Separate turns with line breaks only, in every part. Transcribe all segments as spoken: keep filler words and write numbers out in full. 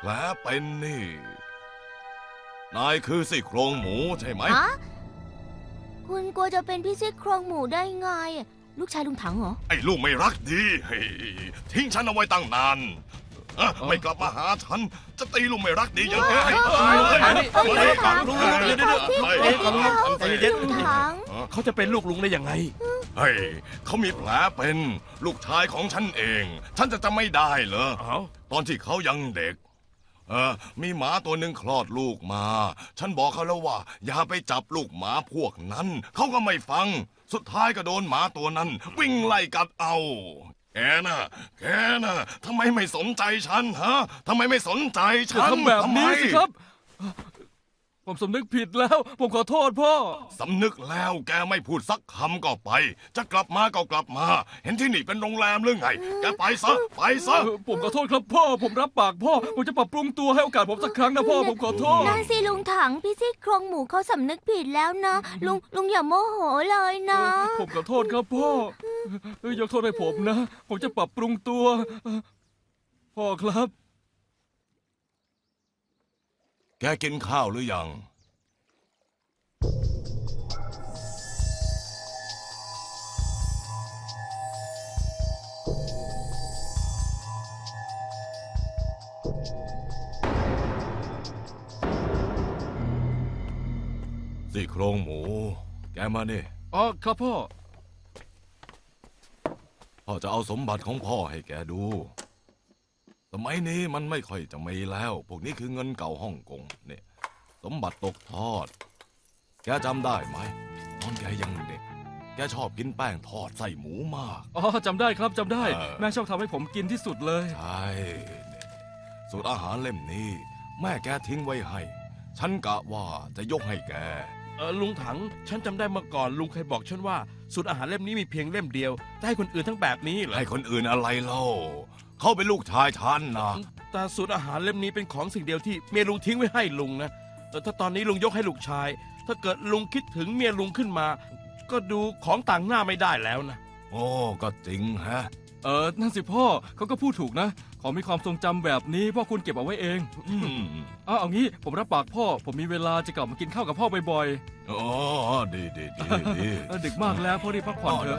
ผลเป็นนี่นายคือซี่โครงหมูใช่ไหม
ฮะคุณกลัวจะเป็นพี่ซี่โครงหมูได้ไง ลูกชายลุงถังเหรอ
ไอ้ลูกไม่รักดีเฮ้ยทิ้งฉันเอาไว้ตั้งนานเอ้อไม่กลับมาหาฉันจะตีลูกไม่รักดียังไงให้ตายเลย
เอ้ย
เฮ้ย
ถัง
เดี๋ยว
เดี๋ยวเดี๋ยว
เฮ้ย
เดี๋ยว
ใจเย็น
ลุงถัง
เขาจะเป็นลูกลุงได้ยังไง
เฮ้ยเขามีแผลเป็นลูกชายของฉันเอง ฉันจะจำไม่ได้เหรอ
เอ้า
ตอนที่เขายังเด็ก เออ มีหมาตัวหนึ่งคลอดลูกมา ฉันบอกเขาแล้วว่า อย่าไปจับลูกหมาพวกนั้น เขาก็ไม่ฟัง สุดท้ายก็โดนหมาตัวนั้น วิ่งไล่กัดเอา แกน่ะ แกน่ะทำไมไม่สนใจฉันฮะทำไมไม่สนใจ
อย่า
ฉัน
ทำแบบนี้
ทำไม
สิครับ ผมสำนึกผิดแล้ว ผมขอโทษพ่อ
สำนึกแล้วแกไม่พูดสักคำก็ไป จะกลับมาก็กลับมา เห็นที่นี่เป็นโรงแรมหรือไง แกไปซะ ไปซะ
ผมขอโทษครับพ่อ ผมรับปากพ่อ ผมจะปรับปรุงตัวให้โอกาสผมสักครั้งนะพ่อ ผมขอโทษ
นั่นสิลุงถังพี่ซี่โครงหมูเขาสำนึกผิดแล้วนะ ลุงลุงอย่าโมโหเลยนะ
ผมขอโทษครับพ่อเอ้ยยกโทษให้ผมนะ ผมจะปรับปรุงตัว พ่อครับ
แกกินข้าวหรือยังซี่โครงหมู แกมาเนี่ย
อ๋อครับพ่อ
พ่อจะเอาสมบัติของพ่อให้แกดู สมัยนี้มันไม่ค่อยจะมีแล้ว พวกนี้คือเงินเก่าฮ่องกงเนี่ย สมบัติตกทอด แกจำได้ไหมตอนแกยังเด็ก แกชอบกินแป้งทอดใส่หมูมาก
อ๋อจำได้ครับจำได้
เออ
แม่ชอบทำให้ผมกินที่สุดเลย
ใช่เนี่ยสูตรอาหารเล่มนี้ แม่แกทิ้งไว้ให้ ฉันกะว่าจะยกให้แก
เออลุงถัง ฉันจำได้เมื่อก่อนลุงเคยบอกฉันว่าสูตรอาหารเล่มนี้มีเพียงเล่มเดียวจะให้คนอื่นทั้งแบบนี้เหรอ
ให้คนอื่นอะไรเล่า เขาเป็นลูกชายฉันนะ
แต่สูตรอาหารเล่มนี้เป็นของสิ่งเดียวที่เมียลุงทิ้งไว้ให้ลุงนะเออถ้าตอนนี้ลุงยกให้ลูกชาย ถ้าเกิดลุงคิดถึงเมียลุงขึ้นมา ก็ดูของต่างหน้าไม่ได้แล้วนะ
โอ้ก็จริงฮะ
เออนั่นสิพ่อเขาก็พูดถูกนะ ของมีความทรงจำแบบนี้พ่อคุณเก็บเอาไว้เอง
อืม
อ้าวเอางี้ผมรับปากพ่อ ผมมีเวลาจะกลับมากินข้าวกับพ่อบ่อย
อ๋อดีดีดีดี
ๆเออดึกมากแล้วพ่อรีบพักผ่อนเถอะ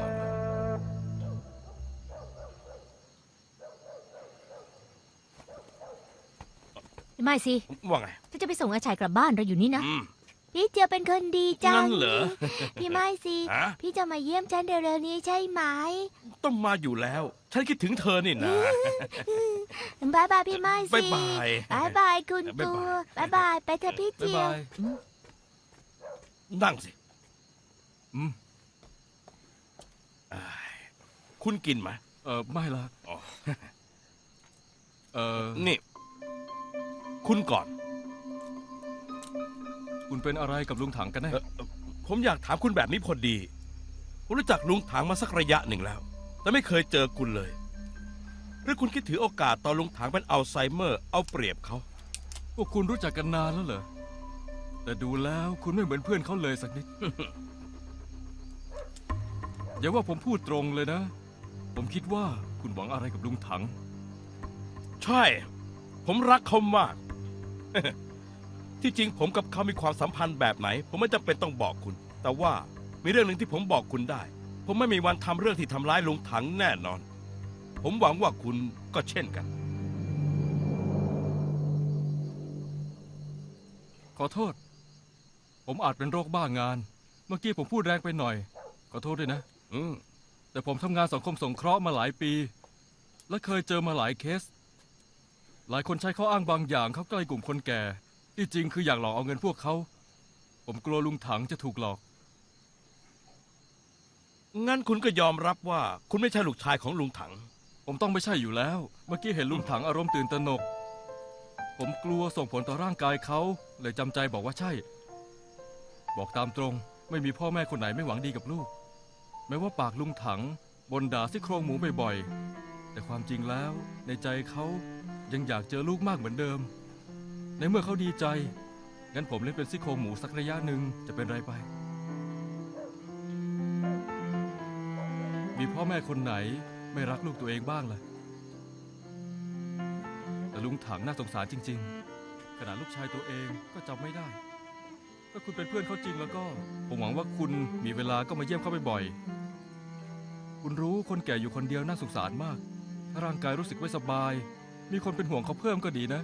ไม่สิ
ว่าไง
ถ้าจะไปส่งอาชัยกลับบ้านเราอยู่นี่นะ
อืม
พี่เจียวเป็นคนดีจั
งั้
ง
นเหรอ
พี่ไม่สิ
ฮะ
พี่จะมาเยี่ยมฉันเร็วๆนี้ใช่ไหม
ต้องมาอยู่แล้ว ฉันคิดถึงเธอนี่นะ
บายบายพี่ไม่สิ
บ๊ายบาย
บายบายคุณ
บ๊าย
กู
บาย
บายบายไปเถอะพี่
บ๊าย
เจียว
บาย
นั่งสิ
อืม
อ้ายคุณกินไหม
เออไม่ละ
อ๋อ
เออ
นี่ คุณก่อน
คุณเป็นอะไรกับลุงถังกันแน่
เอ่อเอ่อผมอยากถามคุณแบบนี้พอดี ผมรู้จักลุงถังมาสักระยะหนึ่งแล้ว แต่ไม่เคยเจอคุณเลย หรือคุณคิดถือโอกาสตอนลุงถังเป็นอัลไซเมอร์ เอาเปรียบเขา
พวกคุณรู้จักกันนานแล้วเหรอ แต่ดูแล้วคุณไม่เหมือนเพื่อนเขาเลยสักนิด อย่าว่าผมพูดตรงเลยนะ ผมคิดว่าคุณหวังอะไรกับลุงถัง
ใช่ ผมรักเขามาก ที่จริงผมกับเขามีความสัมพันธ์แบบไหน ผมไม่จำเป็นต้องบอกคุณ แต่ว่ามีเรื่องหนึ่งที่ผมบอกคุณได้ ผมไม่มีวันทำเรื่องที่ทำร้ายลุงถังแน่นอน ผมหวังว่าคุณก็เช่นกัน
ขอโทษ ผมอาจเป็นโรคบ้างาน เมื่อกี้ผมพูดแรงไปหน่อย ขอโทษด้วยนะ
อืม
แต่ผมทำงานสังคมสงเคราะห์มาหลายปี และเคยเจอมาหลายเคส หลายคนใช้ข้ออ้างบางอย่างเข้าใกล้กลุ่มคนแก่ ที่จริงคืออยากหลอกเอาเงินพวกเขา ผมกลัวลุงถังจะถูกหลอก
งั้นคุณก็ยอมรับว่าคุณไม่ใช่ลูกชายของลุงถัง
ผมต้องไม่ใช่อยู่แล้ว เมื่อกี้เห็นลุงถังอารมณ์ตื่นตระหนก ผมกลัวส่งผลต่อร่างกายเขาเลยจำใจบอกว่าใช่ บอกตามตรง ไม่มีพ่อแม่คนไหนไม่หวังดีกับลูก แม้ว่าปากลุงถังบ่นด่าซี่โครงหมูบ่อยๆ แต่ความจริงแล้วในใจเขายังอยากเจอลูกมากเหมือนเดิม ในเมื่อเขาดีใจ งั้นผมเล่นเป็นซี่โครงหมูสักระยะหนึ่งจะเป็นไรไป มีพ่อแม่คนไหนไม่รักลูกตัวเองบ้างล่ะ แต่แต่ลุงถังน่าสงสารจริงๆขนาดลูกชายตัวเองก็จำไม่ได้ ถ้าคุณเป็นเพื่อนเขาจริงแล้วก็ ผมหวังว่าคุณมีเวลาก็มาเยี่ยมเขาบ่อยๆคุณรู้คนแก่อยู่คนเดียวน่าสงสารมาก ถ้าร่างกายรู้สึกไม่สบาย มีคนเป็นห่วงเขาเพิ่มก็ดีนะ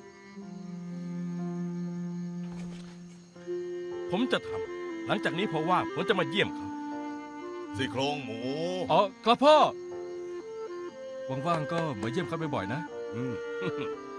ผมจะทำหลังจากนี้เพราะว่าผมจะมาเยี่ยมเขา
ซี่โครงหมู
อ๋อครับพ่อ ว่างๆก็มาเยี่ยมเขาบ่อยๆนะ
อืม